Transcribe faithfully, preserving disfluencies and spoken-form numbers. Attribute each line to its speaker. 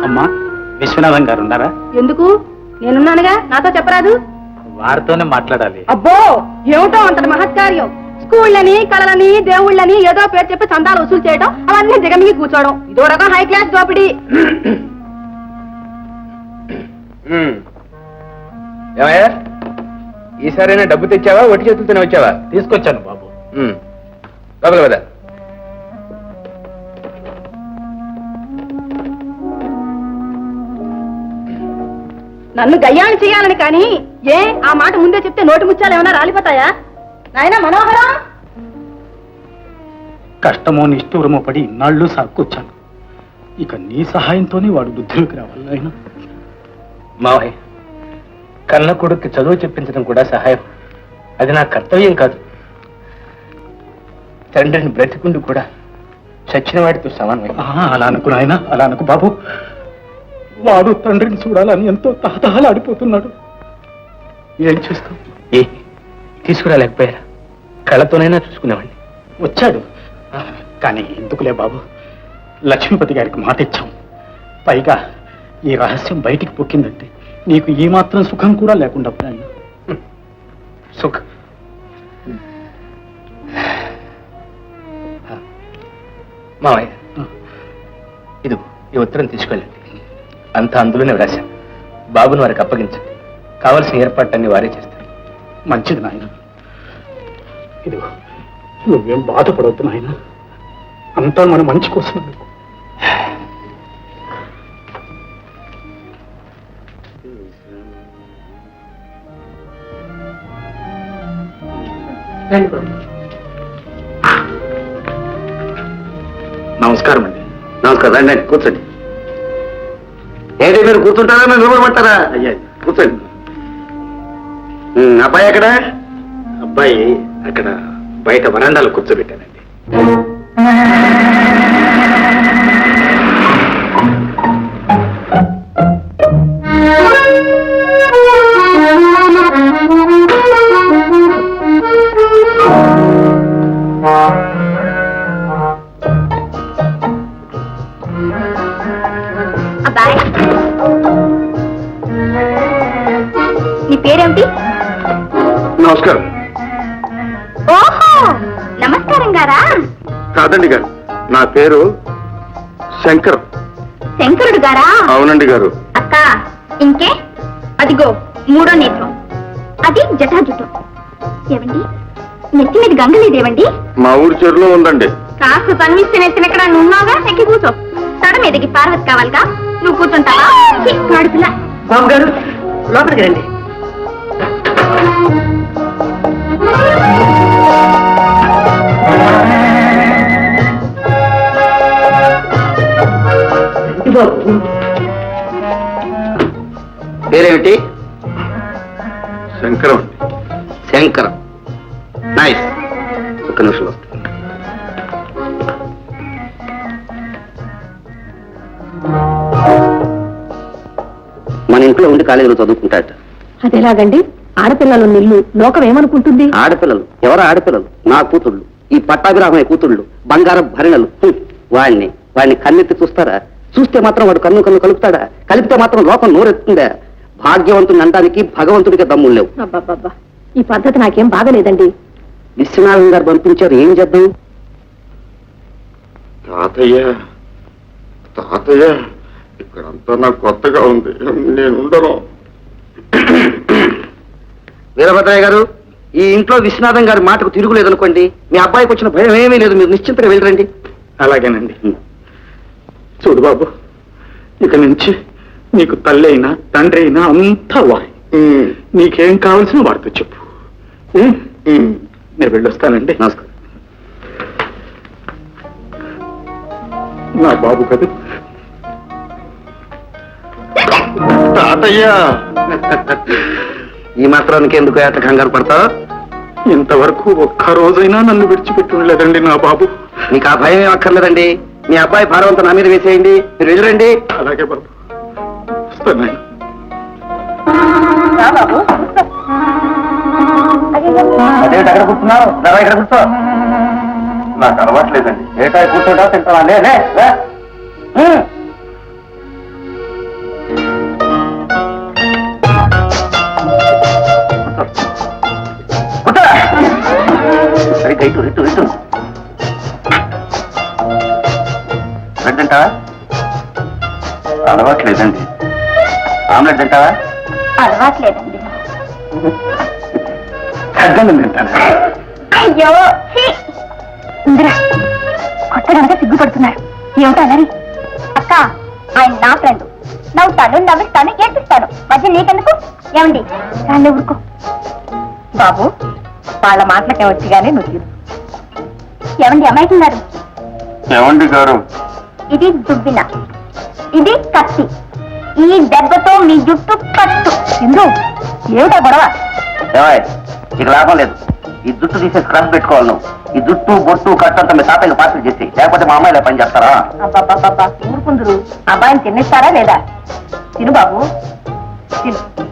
Speaker 1: అమ్మా విశ్వనాథం గారు ఉన్నారా?
Speaker 2: ఎందుకు? నేనున్నానుగా, నాతో చెప్పరాదు?
Speaker 1: వారితోనే మాట్లాడాలి.
Speaker 2: అబ్బో ఏమిటో అంతటి మహత్కార్యం. స్కూళ్ళని కళలని దేవుళ్ళని ఏదో పేరు చెప్పి చందాలు వసూలు చేయడం, అవన్నీ దిగమిగి కూర్చోవడం, ఇదో రకం హై క్లాస్ దోపిడీ.
Speaker 3: ఏమయ్యా, ఈసారైనా డబ్బు తెచ్చావా, ఒట్టి చేతులతోనే వచ్చావా?
Speaker 1: తీసుకొచ్చాను బాబు.
Speaker 3: లోపల కదా.
Speaker 2: నన్ను గయ్యాన్ని చేయాలని కానీ ఏ ఆ మాట ముందే చెప్తే నోటి ముత్యాలు ఏమైనా రాలిపోతాయా? నాయనా మనోహరం,
Speaker 1: కష్టమో నిష్ఠూరమో పడి ఇన్నాళ్ళు సాక్కొచ్చాను. ఇక నీ సహాయంతోనే వాడు బుద్ధిలోకి రావాలి. ఆయన
Speaker 3: మావయ్య, కన్న కొడుక్కి చదువు చెప్పించడం కూడా సహాయం. అది నా కర్తవ్యం కాదు. తండ్రిని బ్రతికుండి కూడా చచ్చిన వాడితో సమానమే.
Speaker 1: అలా అనుకు నాయన, అలా అనుకు బాబు. వాడు తండ్రిని చూడాలని ఎంతో తహతహలాడిపోతున్నాడు. ఏం చేస్తాం?
Speaker 3: ఏ తీసుకురాలేకపోయారా? కళ్ళతోనైనా చూసుకునేవాడిని.
Speaker 1: వచ్చాడు కానీ ఎందుకులే బాబు, లక్ష్మీపతి గారికి మాట ఇచ్చాం. పైగా ఈ రహస్యం బయటికి పొక్కిందంటే నీకు ఈ మాత్రం సుఖం కూడా లేకుండా పోయాను.
Speaker 3: సుఖం మావయ్య, ఇది ఈ ఉత్తరం తీసుకెళ్ళండి. అంతా అందులోనే వ్రాశాను. బాబుని వారికి అప్పగించండి. కావలసిన ఏర్పాట్లన్నీ వారే చేస్తారు.
Speaker 1: మంచిది నాయన. ఇదిగో, నువ్వేం బాధపడవద్దు నాయన, అంతా మన మంచి కోసం. నమస్కారం అండి.
Speaker 4: నమస్కారం. రండి కూర్చోండి. ఏంటి మీరు కూర్చుంటారా, మీరు నిలబడమంటారా?
Speaker 1: అయ్యా
Speaker 4: కూర్చోండి. అబ్బాయి ఎక్కడ?
Speaker 1: అబ్బాయి అక్కడ బయట వరండాలో కూర్చోబెట్టానండి.
Speaker 2: అబ్బాయి, నీ పేరేమిటి?
Speaker 4: నమస్కారం.
Speaker 2: ఓహో, నమస్కారం గారా?
Speaker 4: కాదండి గారు, నా పేరు శంకర్.
Speaker 2: శంకరుడు గారా?
Speaker 4: అవునండి గారు.
Speaker 2: అక్క, ఇంకే అదిగో మూడో నేత్రం, అది జటాజుటం. ఏవండి, నెత్తి మీద గంగలేదేవండి?
Speaker 4: మా ఊరి చెరువులో ఉందండి.
Speaker 2: కాస్త తన్విస్తే నెత్తిన ఎక్కడ నున్నావుగా, ఎక్కి కూర్చో. తడ మీదకి పార్వతి కావాలిగా, నువ్వు కూర్చుంటావా? పిల్ల
Speaker 5: బాబు గారు లోపలికి రండి.
Speaker 4: పేరేమిటి? శంకరం. శంకరం, నైస్. ఒక్క నిమిషంలో వస్తుంది. మన ఇంట్లో ఉండి కాలేజీలో చదువుకుంటాట.
Speaker 2: అదేలాగండి? ఆడపిల్లలు నిల్లు లోకం ఏమనుకుంటుంది?
Speaker 4: ఆడపిల్లలు ఎవరు? ఆడపిల్లలు నా కూతుళ్ళు, ఈ పట్టాభిరామయ్య కూతుళ్ళు, బంగారం భరిణలు. వాడిని వాడిని కన్నెత్తి చూస్తారా? చూస్తే మాత్రం వాడు కన్ను కన్ను కలుపుతాడా? కలిపితే మాత్రం లోకం నోరెత్తుందా? భాగ్యవంతుని అనడానికి భగవంతుడికి దమ్ములు లేవు.
Speaker 2: అబ్బబ్బబ్బా, ఈ పద్ధతి నాకేం బాగలేదండి.
Speaker 4: విశ్వనాథం గారు పంపించారు, ఏం చేద్దాం?
Speaker 6: తాతయ్య తాతయ్య ఇక్కడంతా నాకు కొత్తగా ఉంది, నేను ఉండను.
Speaker 4: వీరభద్రయ్య గారు, ఈ ఇంట్లో విశ్వనాథం గారి మాటకు తిరుగులేదనుకోండి. మీ అబ్బాయికి వచ్చిన భయం ఏమీ లేదు, మీరు నిశ్చింతగా వెళ్ళరండి.
Speaker 1: అలాగేనండి. చూడు బాబు, ఇక నుంచి నీకు తల్లి అయినా తండ్రి అయినా అంతా వాయి. నీకేం కావాల్సిన వాడితో చెప్పు. నేను వెళ్ళొస్తానండి.
Speaker 4: నమస్కారం.
Speaker 1: నా బాబు కదా
Speaker 6: తాతయ్య.
Speaker 4: ఈ మాత్రానికి ఎందుకు ఏట కంగారు పడతావు?
Speaker 1: ఇంతవరకు ఒక్క రోజైనా నన్ను విడిచిపెట్టి ఉండలేదండి నా బాబు.
Speaker 4: మీకు ఆ భయం ఏం అక్కర్లేదండి. మీ అబ్బాయి భారవంతం నా మీద వేసేయండి, మీరు వెళ్ళరండి.
Speaker 1: అలాగే బాబు, వస్తాను.
Speaker 4: అదేంటి అక్కడ కూర్చున్నావు? ఇక్కడ కూర్చో.
Speaker 6: నాకు అలవాట్లేదండి.
Speaker 4: ఏటా కూర్చోటా తింటావా? ఇటు ఇటు ఇటు బ్రెడ్ తింటావా? అలవాట్లేదండి. ఆమ్లెట్ తింటావా?
Speaker 2: అలవాట్లేదండి.
Speaker 4: అడ్డం తింటాను.
Speaker 2: అయ్యో ఇందిరా కొత్తగా సిగ్గుపడుతున్నారు. ఏమిటో అలరి? అక్క ఆయన నా ఫ్రెండ్. నవ్వుతాను, నవ్విస్తాను, ఏడ్పిస్తాను. మధ్య నీకెందుకు? ఏమండి రాళ్ళే ఊరుకో. బాబు వాళ్ళ మాటలకే వచ్చిగానే నువ్వు. ఏమండి అమ్మాయికున్నారు?
Speaker 6: ఏమండి గారు?
Speaker 2: ఇది దుబ్బిన, ఇది కత్తి. ఈ దెబ్బతో మీ జుట్టు కట్టు. ఇందు ఏమిటా గొడవ?
Speaker 4: ఏమాయ్ ఇక లాభం లేదు. ఈ జుట్టు తీసేసి క్రష్ పెట్టుకోవాలి నువ్వు. ఈ జుట్టు బొట్టు కట్టంతా మీ తాతయ్య పాత్ర చేసి, లేకపోతే మా అమ్మాయిలా పని చేస్తారా?
Speaker 2: అబ్బాబ్బాబ్బా ఊరుకుందరు. అబ్బాయిని తినేస్తారా లేదా? తిను బాబు తిను.